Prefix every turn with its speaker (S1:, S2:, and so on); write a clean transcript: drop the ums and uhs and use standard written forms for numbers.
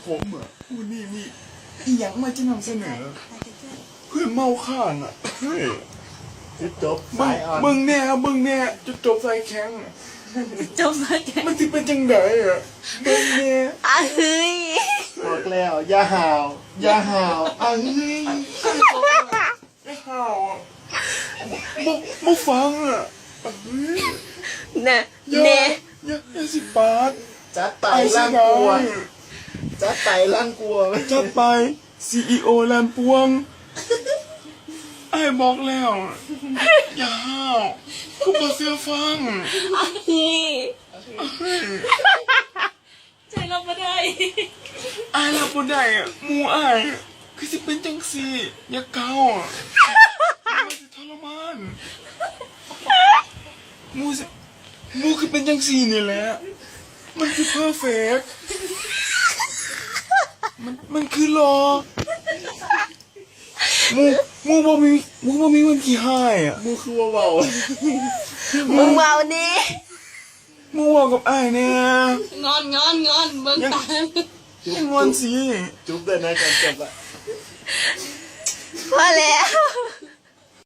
S1: ผมอ่ะวันนี้มีอีหยังมาจะนำเสนอเพื่อนเมาข้างอ่ะเฮ้ย
S2: จุดจบ
S1: มึ
S2: สาง ยอ่อน
S1: มึงเนี่ยจุดจบสายแข็งอะ
S3: จบแล้วแก
S1: มันที่เป็นจังไดอ่ะมึงเนี่ย
S3: เฮ้ย
S2: บอกแล้วอย่าห่าวอย่าห่าวเฮ้ย
S1: ไอ้ห่าวอ่ะมาฟังอ่ะเฮ้ย
S3: น่ะ
S1: อย่า
S3: เน่
S1: อย่าสิปาด
S2: จัดไป
S1: ไอ้สิ
S2: ล่าง
S1: ได้
S2: กลัวจัดไปล่างกลัว
S1: จัดไป CEO แลนปวงไอ้บอกแล้วอย่าห้าวกูบ่เสื้อฟัง
S3: เฮ้ยใจรับไม่ได้
S1: ไอ้รับบ่ได้อ่ะหมู่ไอ้อะคือสิเป็นจังซี่อย่าเกาอ่ะมันสิทรมานหมู่คือเป็นจังซี่นี่แหละมันคือเพอร์เฟกต์มันคือรอหมู่บ่มีวันขี้หายอ่ะ
S2: มูคือว่าเบา
S3: มึงเมาดิ
S1: หมู่เว้ากับไอ้เนี่ย
S3: งอนเบิ่งตา
S1: ยังงอนสิ
S2: จุ๊บเลยนะก่อนจบละ
S3: พอแล้ว